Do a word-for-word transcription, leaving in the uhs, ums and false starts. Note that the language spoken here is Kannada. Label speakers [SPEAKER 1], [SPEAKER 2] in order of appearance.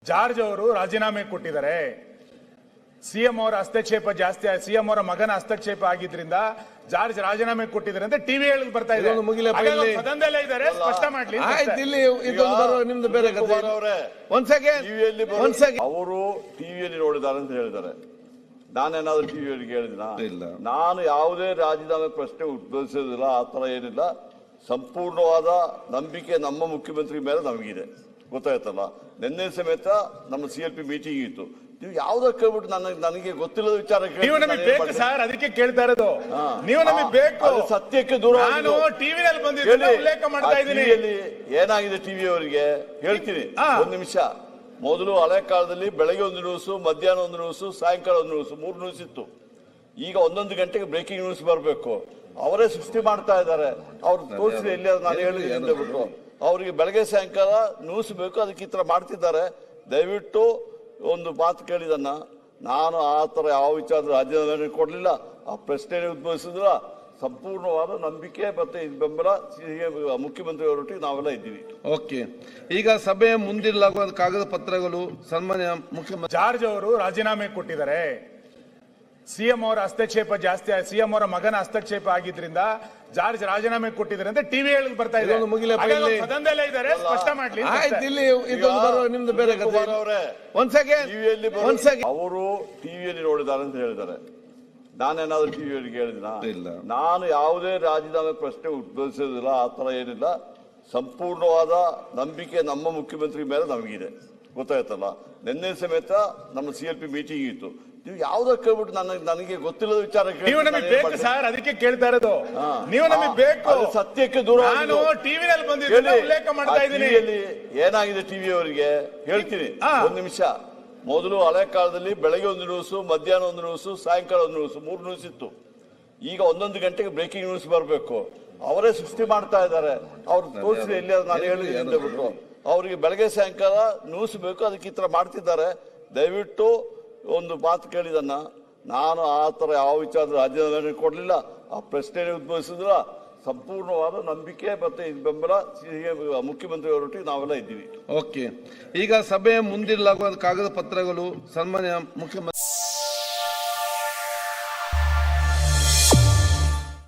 [SPEAKER 1] ಜಾರ್ಜ್ ಅವರು ರಾಜೀನಾಮೆ ಕೊಟ್ಟಿದ್ದಾರೆ. ಸಿಎಂ ಅವರ ಹಸ್ತಕ್ಷೇಪ ಜಾಸ್ತಿ, ಸಿಎಂ ಅವರ ಮಗನ ಹಸ್ತಕ್ಷೇಪ ಆಗಿದ್ರಿಂದ ಜಾರ್ಜ್ ರಾಜೀನಾಮೆ ಕೊಟ್ಟಿದ್ದಾರೆ ಅಂತ ಟಿವಿ ಹೇಳಿ ಬರ್ತಾ ಇದೆ. ಸದನದಲ್ಲೇ ಇದ್ದಾರೆ, ಸ್ಪಷ್ಟ ಮಾಡ್ಲಿ.
[SPEAKER 2] ನಿಮ್ದು ಬೇರೆ
[SPEAKER 3] ಅವರು ಟಿವಿಯಲ್ಲಿ ನೋಡಿದ್ದಾರೆ ಅಂತ ಹೇಳಿದ್ದಾರೆ. ನಾನೇನಾದ್ರೂ ಟಿವಿಯಲ್ಲಿ ಕೇಳಿದಿನ? ನಾನು ಯಾವುದೇ ರಾಜೀನಾಮೆ ಪ್ರಶ್ನೆ ಉದ್ಭವಿಸೋದಿಲ್ಲ, ಆ ತರ ಏನಿಲ್ಲ. ಸಂಪೂರ್ಣವಾದ ನಂಬಿಕೆ ನಮ್ಮ ಮುಖ್ಯಮಂತ್ರಿ ಮೇಲೆ ನಮಗಿದೆ, ಗೊತ್ತಾಯ್ತಲ್ಲ. ನಿನ್ನೆ ಸಮೇತ ನಮ್ಮ ಸಿ ಎಲ್ ಪಿ ಮೀಟಿಂಗ್ ಇತ್ತು. ನೀವು ಯಾವ್ದಕ್ಕೆ ಕೇಳ್ಬಿಟ್ಟು ನನಗೆ ನನಗೆ ಗೊತ್ತಿಲ್ಲದ ವಿಚಾರ
[SPEAKER 1] ನೀವು ನಮಗೆ ಬೇಕು ಸರ್, ಅದಕ್ಕೆ ಕೇಳ್ತಾ ಇರೋದು. ನೀವು ನಮಗೆ ಬೇಕು,
[SPEAKER 3] ಸತ್ಯಕ್ಕೆ ದೂರ.
[SPEAKER 1] ನಾನು ಟಿವಿಯಲ್ಲಿ ಬಂದಿದ್ದೀನಿ, ಉಲ್ಲೇಖ ಮಾಡ್ತಾ ಇದ್ದೀನಿ.
[SPEAKER 3] ಏನಾಗಿದೆ ಟಿವಿ ಅವರಿಗೆ ಹೇಳ್ತೀನಿ, ಒಂದ್ ನಿಮಿಷ. ಮೊದಲು ಹಳೆ ಕಾಲದಲ್ಲಿ ಬೆಳಗ್ಗೆ ಒಂದು ನ್ಯೂಸು, ಮಧ್ಯಾಹ್ನ ಒಂದು ನ್ಯೂಸು, ಸಾಯಂಕಾಲ ಒಂದು ನ್ಯೂಸು, ಮೂರು ನ್ಯೂಸ್ ಇತ್ತು. ಈಗ ಒಂದೊಂದು ಗಂಟೆಗೆ ಬ್ರೇಕಿಂಗ್ ನ್ಯೂಸ್ ಬರಬೇಕು. ಅವರೇ ಸೃಷ್ಟಿ ಮಾಡ್ತಾ ಇದ್ದಾರೆ. ಅವ್ರು ತೋರಿಸಿ ಎಲ್ಲಿ ನಾನು ಹೇಳಿದ್ದೀನಿ ಬಿಟ್ಟು ಅವರಿಗೆ ಬೆಳಗ್ಗೆ ಸಾಯಂಕಾಲ ನ್ಯೂಸ್ ಬೇಕು, ಅದಕ್ಕೆ ಈ ತರ ಮಾಡ್ತಿದ್ದಾರೆ. ದಯವಿಟ್ಟು ಒಂದು ಮಾತು ಕೇಳಿದನ್ನ, ನಾನು ಆ ತರ ಯಾವ ವಿಚಾರದ ರಾಜೀನಾಮೆ ಕೊಡ್ಲಿಲ್ಲ, ಆ ಪ್ರಶ್ನೆ ಉದ್ಭವಿಸಿದ್ರ. ಸಂಪೂರ್ಣವಾದ ನಂಬಿಕೆ ಮತ್ತೆ ಬೆಂಬಲ ಮುಖ್ಯಮಂತ್ರಿ ಅವರೊಟ್ಟಿಗೆ ನಾವೆಲ್ಲ ಇದ್ದೀವಿ.
[SPEAKER 2] ಓಕೆ, ಈಗ ಸಭೆಯ ಮುಂದಿಡಲಾಗುವ ಕಾಗದ ಪತ್ರಗಳು ಸನ್ಮಾನ್ಯ ಮುಖ್ಯಮಂತ್ರಿ
[SPEAKER 1] ಜಾರ್ಜ್ ಅವರು ರಾಜೀನಾಮೆ ಕೊಟ್ಟಿದ್ದಾರೆ. ಸಿಎಂ ಅವರ ಹಸ್ತಕ್ಷೇಪ ಜಾಸ್ತಿ, ಸಿಎಂ ಅವರ ಮಗನ ಹಸ್ತಕ್ಷೇಪ ಆಗಿದ್ರಿಂದ ಜಾರ್ಜ್ ರಾಜೀನಾಮೆ ಕೊಟ್ಟಿದ್ದಾರೆ ಅಂತ ಟಿವಿ ಹೇಳಿ ಬರ್ತಾ ಇದೆ. ಸದನದಲ್ಲೇ ಇದ್ದಾರೆ, ಸ್ಪಷ್ಟ ಮಾಡ್ಲಿ.
[SPEAKER 2] ನಿಮ್ದು ಬೇರೆ
[SPEAKER 3] ಅವರು ಟಿವಿಯಲ್ಲಿ ನೋಡಿದ್ದಾರೆ ಅಂತ ಹೇಳಿದ್ದಾರೆ. ನಾನೇನಾದ್ರೂ ಟಿವಿಯಲ್ಲಿ ಕೇಳಿದಿನ? ನಾನು ಯಾವುದೇ ರಾಜೀನಾಮೆ ಪ್ರಶ್ನೆ ಉದ್ಭವಿಸೋದಿಲ್ಲ, ಆ ತರ ಏನಿಲ್ಲ. ಸಂಪೂರ್ಣವಾದ ನಂಬಿಕೆ ನಮ್ಮ ಮುಖ್ಯಮಂತ್ರಿ ಮೇಲೆ ನಮಗಿದೆ, ಗೊತ್ತಾಯ್ತಲ್ಲ. ನಿನ್ನೆ ಸಮೇತ ನಮ್ಮ ಸಿ ಎಲ್ ಪಿ ಮೀಟಿಂಗ್ ಇತ್ತು. ನೀವು ಯಾವ್ದಕ್ಕೆ ಕೇಳ್ಬಿಟ್ಟು ನನಗೆ ನನಗೆ ಗೊತ್ತಿಲ್ಲದ ವಿಚಾರ
[SPEAKER 1] ನೀವು ನಮಗೆ ಬೇಕು ಸರ್, ಅದಕ್ಕೆ ಕೇಳ್ತಾ ಇರೋದು. ನೀವು ನಮಗೆ ಬೇಕು,
[SPEAKER 3] ಸತ್ಯಕ್ಕೆ ದೂರ.
[SPEAKER 1] ನಾನು ಟಿವಿಯಲ್ಲಿ ಬಂದಿದ್ದೀನಿ, ಉಲ್ಲೇಖ ಮಾಡ್ತಾ ಇದ್ದೀನಿ.
[SPEAKER 3] ಏನಾಗಿದೆ ಟಿವಿ ಅವರಿಗೆ ಹೇಳ್ತೀನಿ, ಒಂದ್ ನಿಮಿಷ. ಮೊದಲು ಹಳೆ ಕಾಲದಲ್ಲಿ ಬೆಳಗ್ಗೆ ಒಂದು ನ್ಯೂಸು, ಮಧ್ಯಾಹ್ನ ಒಂದು ನ್ಯೂಸು, ಸಾಯಂಕಾಲ ಒಂದು ನ್ಯೂಸು, ಮೂರು ನ್ಯೂಸ್ ಇತ್ತು. ಈಗ ಒಂದೊಂದು ಗಂಟೆಗೆ ಬ್ರೇಕಿಂಗ್ ನ್ಯೂಸ್ ಬರಬೇಕು. ಅವರೇ ಸೃಷ್ಟಿ ಮಾಡ್ತಾ ಇದ್ದಾರೆ. ಅವ್ರು ತೋರಿಸಿ ಎಲ್ಲಿ ನಾನು ಹೇಳಿದ್ದೀನಿ ಬಿಟ್ಟು ಅವರಿಗೆ ಬೆಳಗ್ಗೆ ಸಾಯಂಕಾಲ ನ್ಯೂಸ್ ಬೇಕು, ಅದಕ್ಕೆ ಈ ತರ ಮಾಡ್ತಿದ್ದಾರೆ. ದಯವಿಟ್ಟು ಒಂದು ಮಾತು ಕೇಳಿದನ್ನ, ನಾನು ಆ ತರ ಯಾವ ವಿಚಾರದ ರಾಜೀನಾಮೆ ಕೊಡ್ಲಿಲ್ಲ, ಆ ಪ್ರಶ್ನೆ ಉದ್ಭವಿಸಿದ್ರ. ಸಂಪೂರ್ಣವಾದ ನಂಬಿಕೆ ಮತ್ತೆ ಬೆಂಬಲ ಮುಖ್ಯಮಂತ್ರಿ ಅವರೊಟ್ಟಿಗೆ ನಾವೆಲ್ಲ ಇದ್ದೀವಿ.
[SPEAKER 2] ಓಕೆ, ಈಗ ಸಭೆಯ ಮುಂದಿಡಲಾಗುವ ಕಾಗದ ಪತ್ರಗಳು ಸನ್ಮಾನ್ಯ ಮುಖ್ಯಮಂತ್ರಿ